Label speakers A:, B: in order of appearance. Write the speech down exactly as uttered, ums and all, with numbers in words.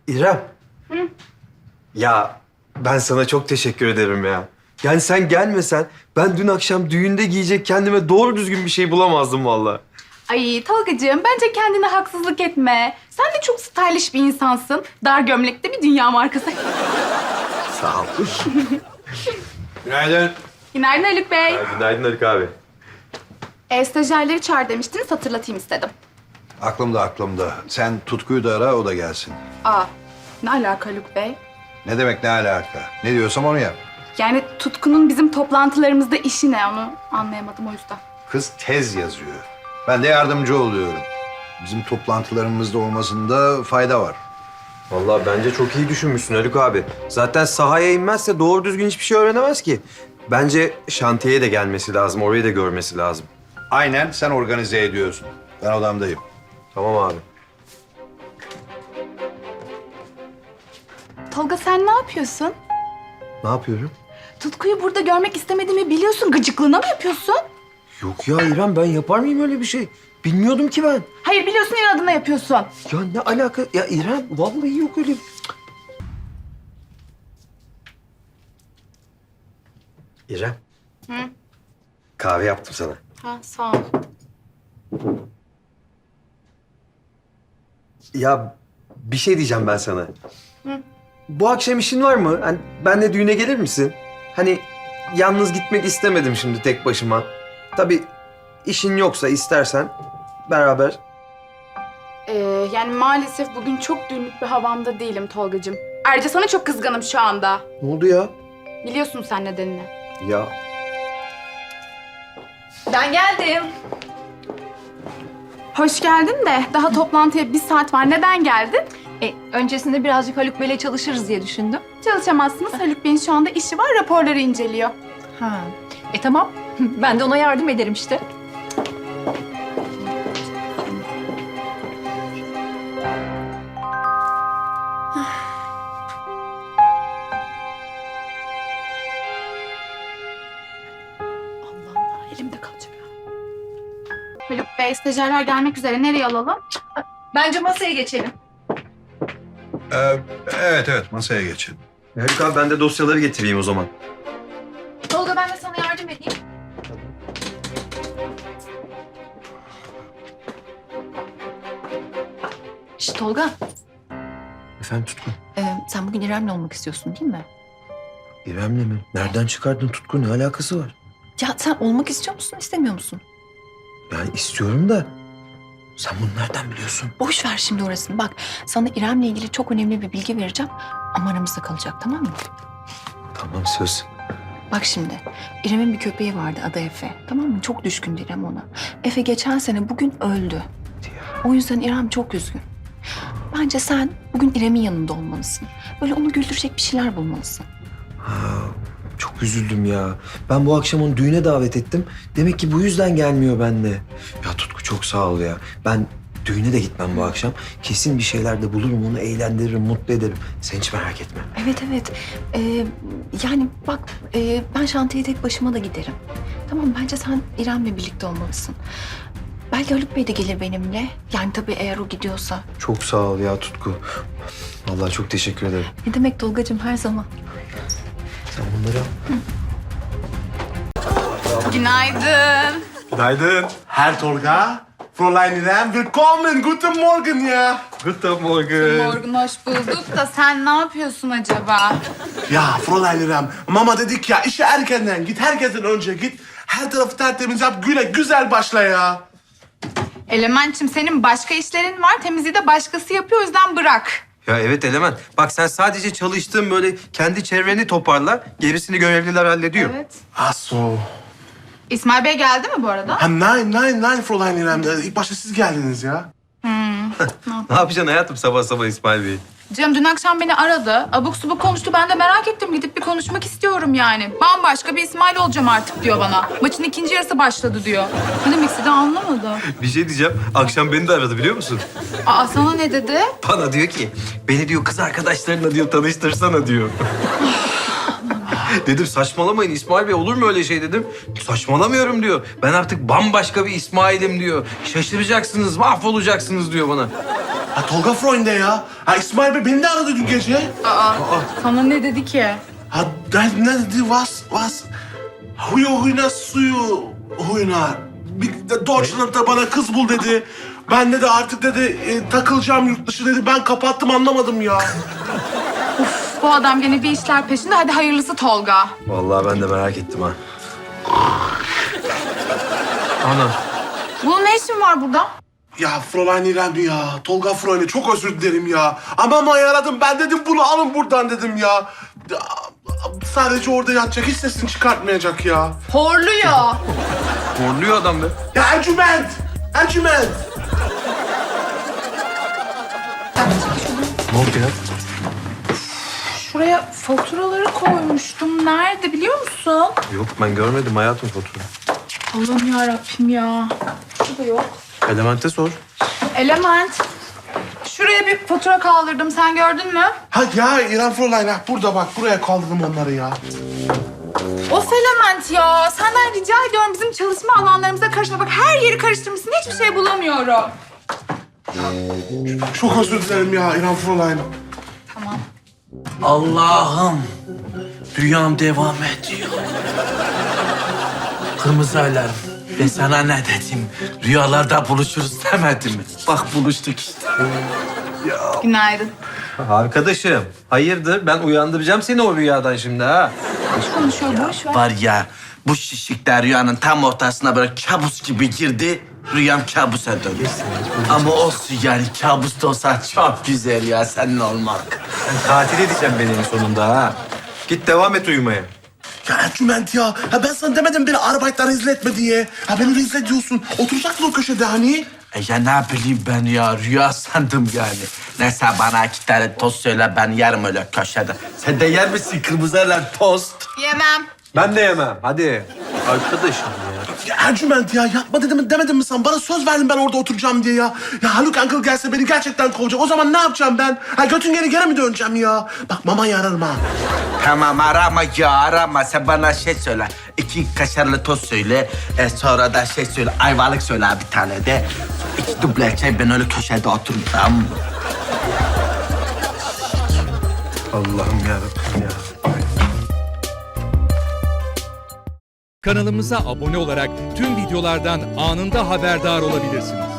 A: İrem.
B: Hı?
A: Ya ben sana çok teşekkür ederim ya. Yani sen gelmesen ben dün akşam düğünde giyecek kendime doğru düzgün bir şey bulamazdım vallahi.
B: Ay Tolgacığım, bence kendine haksızlık etme. Sen de çok stylish bir insansın. Dar gömlekte bir dünya markası.
A: Sağ ol.
C: Günaydın.
B: Günaydın Haluk Bey.
A: Günaydın Haluk abi.
B: E, stajyerleri çağır demiştiniz, hatırlatayım istedim.
C: Aklımda aklımda. Sen Tutku'yu da ara, o da gelsin.
B: Aa, ne alaka Haluk Bey?
C: Ne demek ne alaka? Ne diyorsam onu yap.
B: Yani Tutku'nun bizim toplantılarımızda işi ne, onu anlayamadım o yüzden.
C: Kız tez yazıyor. Ben de yardımcı oluyorum. Bizim toplantılarımızda olmasında fayda var.
A: Vallahi bence çok iyi düşünmüşsün Haluk abi. Zaten sahaya inmezse doğru düzgün hiçbir şey öğrenemez ki. Bence şantiyeye de gelmesi lazım, orayı da görmesi lazım.
C: Aynen, sen organize ediyorsun. Ben odamdayım.
A: Tamam abi.
B: Tolga sen ne yapıyorsun?
A: Ne yapıyorum?
B: Tutku'yu burada görmek istemediğimi biliyorsun. Gıcıklığına mı yapıyorsun?
A: Yok ya İrem, ben yapar mıyım öyle bir şey? Bilmiyordum ki ben.
B: Hayır, biliyorsun, inadına yapıyorsun.
A: Ya ne alaka? Ya İrem vallahi yok öyle. İrem.
B: Hı?
A: Kahve yaptım sana.
B: Ha, sağ ol.
A: Ya bir şey diyeceğim ben sana.
B: Hı?
A: Bu akşam işin var mı? Hani benle düğüne gelir misin? Hani yalnız gitmek istemedim şimdi tek başıma. Tabii işin yoksa istersen beraber.
B: Ee, yani maalesef bugün çok düğünlük bir havamda değilim Tolgacığım. Ayrıca sana çok kızgınım şu anda.
A: Ne oldu ya?
B: Biliyorsun sen nedenini.
A: Ya
B: Ben geldim. Hoş geldin de daha toplantıya bir saat var. Neden geldin?
D: E, öncesinde birazcık Haluk Bey'le çalışırız diye düşündüm.
B: Çalışamazsınız. Haluk Bey'in şu anda işi var, raporları inceliyor.
D: Ha. E tamam. Ben de ona yardım ederim işte.
B: Allah Allah, elimde kalacak. Haluk Bey, stajyerler gelmek üzere. Nereye alalım?
D: Bence masaya geçelim.
C: Ee, evet evet, masaya geçelim.
A: Haluk abi, ben de dosyaları getireyim o zaman.
D: Tolga, ben de sana yardım edeyim. Şişt Tolga,
A: Efendim Tutku?
D: e, sen bugün İrem'le olmak istiyorsun değil mi?
A: İrem'le mi? Nereden çıkardın Tutku? Ne alakası var?
D: Ya sen olmak istiyor musun, istemiyor musun?
A: Yani istiyorum da sen bunu nereden biliyorsun?
D: Boş ver şimdi orasını. Bak, sana İrem'le ilgili çok önemli bir bilgi vereceğim. Ama aramızda kalacak, tamam mı?
A: Tamam, söz.
D: Bak şimdi, İrem'in bir köpeği vardı adı Efe. Tamam mı? Çok düşkündü İrem ona. Efe geçen sene bugün öldü. O yüzden İrem çok üzgün. Bence sen bugün İrem'in yanında olmalısın. Böyle onu güldürecek bir şeyler bulmalısın.
A: Ha, çok üzüldüm ya. Ben bu akşam onu düğüne davet ettim. Demek ki bu yüzden gelmiyor benimle. Ya Tutku, çok sağ ol ya. Ben düğüne de gitmem bu akşam. Kesin bir şeyler de bulurum, onu eğlendiririm, mutlu ederim. Sen hiç merak etme.
D: Evet evet. Ee, yani bak e, ben şantiyeye tek başıma da giderim. Tamam, bence sen İrem'le birlikte olmalısın. Belki Haluk Bey de gelir benimle. Yani tabii eğer o gidiyorsa.
A: Çok sağ ol ya Tutku. Vallahi çok teşekkür ederim.
D: Ne demek Tolgacığım, her zaman.
A: Sen bunları al.
B: Günaydın.
E: Günaydın. Herr Tolga. Fräulein İrem, willkommen. Guten Morgen ya.
A: Guten Morgen.
B: Morgun hoş bulduk da sen ne yapıyorsun acaba?
E: Ya Fräulein İrem, mama dedik ya işe erkenden git, herkesten önce git. Her tarafı tertemiz yap, güne güzel başla ya.
B: Elementçim, senin başka işlerin var. Temizliği de başkası yapıyor, o yüzden bırak.
A: Ya evet Element. Bak sen sadece çalıştığın böyle kendi çevreni toparla. Gerisini görevliler hallediyor.
B: Evet.
E: Ach so.
B: İsmail Bey geldi mi bu arada?
E: Ha nein, nein, nein Fräulein İrem. Ee, İlk başta siz geldiniz ya.
A: Ne yapacaksın hayatım sabah sabah İsmail Bey?
B: Canım dün akşam beni aradı. Abuk subuk konuştu. Ben de merak ettim. Gidip bir konuşmak istiyorum yani. Bambaşka bir İsmail olacağım artık diyor bana. Maçın ikinci yarısı başladı diyor. Ne demek istediğini anlamadım.
A: Bir şey diyeceğim. Akşam beni de aradı biliyor musun?
B: Aa, sana ne dedi?
A: Bana diyor ki beni diyor kız arkadaşlarına diyor tanıştırsana diyor. Dedim saçmalamayın İsmail Bey, olur mu öyle şey dedim. Saçmalamıyorum diyor. Ben artık bambaşka bir İsmail'im diyor. Şaşıracaksınız, mahvolacaksınız diyor bana.
E: Ha Tolga Freund'e ya. Ha İsmail Bey beni de aradı dün gece.
B: Aa, sana ne dedi ki?
E: Ha ne, ne dedi? Was, was? Huyu huyuna suyu huyuna. Bir de Deutschland'da bana kız bul dedi. Ben de de artık dedi e, takılacağım yurt dışı dedi. Ben kapattım anlamadım ya.
B: Bu adam gene bir işler peşinde. Hadi hayırlısı Tolga.
A: Vallahi ben de merak ettim ha. Ana.
B: Bunun ne işin var burada?
E: Ya Fräulein İrem ya. Tolga Freund'e çok özür dilerim ya. Ama ama aradım ben dedim bunu alın buradan dedim ya. Ya, sadece orada yatacak hiç sesini çıkartmayacak ya.
B: Horluyor.
A: Horluyor adam be.
E: Ya Ercüment! Ercüment!
A: Ne oldu ya?
B: Şuraya faturaları koymuştum. Nerede biliyor musun?
A: Yok ben görmedim hayatım fotoğrafı.
B: Allah'ım yarabbim ya. Şurada yok.
A: Elemente sor.
B: Element. Şuraya bir fatura kaldırdım. Sen gördün mü?
E: Ha ya İrem Fräulein ha burada bak buraya kaldırdım onları ya.
B: Of Element ya. Senden rica ediyorum bizim çalışma alanlarımıza karışma. Bak her yeri karıştırmışsın. Hiçbir şey bulamıyorum.
E: Çok özür dilerim ya İrem Fräulein.
B: Tamam.
F: Allah'ım. Rüyam devam ediyor. Kırmızı alarm. Ben sana ne dedim? Rüyalarda buluşuruz demedim mi? Bak buluştuk işte.
B: Günaydın.
A: Arkadaşım hayırdır ben uyandıracağım seni o rüyadan şimdi ha.
B: Boş konuşuyor. Boş ver.
F: Var ya bu şişikler rüyanın tam ortasına böyle kabus gibi girdi. Rüyam kabusa döndü. Ama olsun yani kabus da olsa çok güzel ya senin olmak.
A: Sen tatil edeceğim beni en sonunda ha. Git devam et uyumaya.
E: Ya Ercüment ya. Ha ben sana demedim beni arabaytlar rezil etme diye. Ha beni rezil ediyorsun. Oturacaksın o köşede hani.
F: E ya ne bileyim ben ya rüya sandım yani. Neyse bana iki tane tost söyle ben yerim öyle köşede. Sen de yer misin kırmızı alarm tost?
B: Yemem.
A: Ben de yemem hadi. Arkadaşım ya.
E: Ya Ercüment ya yapma dedim demedim mi sen? Bana söz verdin ben orada oturacağım diye ya. Ya Haluk Uncle gelse beni gerçekten kovacak. O zaman ne yapacağım ben? Ha götün geri geri mi döneceğim ya? Bak mamayı ararım ha.
F: Tamam arama ya arama. Sen bana şey söyle. İki kaşarlı tost söyle. E, sonra da şey söyle. Ayvalık söyle bir tane de. İki duble çay ben öyle köşede otururum tamam mı?
A: Allah'ım yarabbim ya.
G: Kanalımıza abone olarak tüm videolardan anında haberdar olabilirsiniz.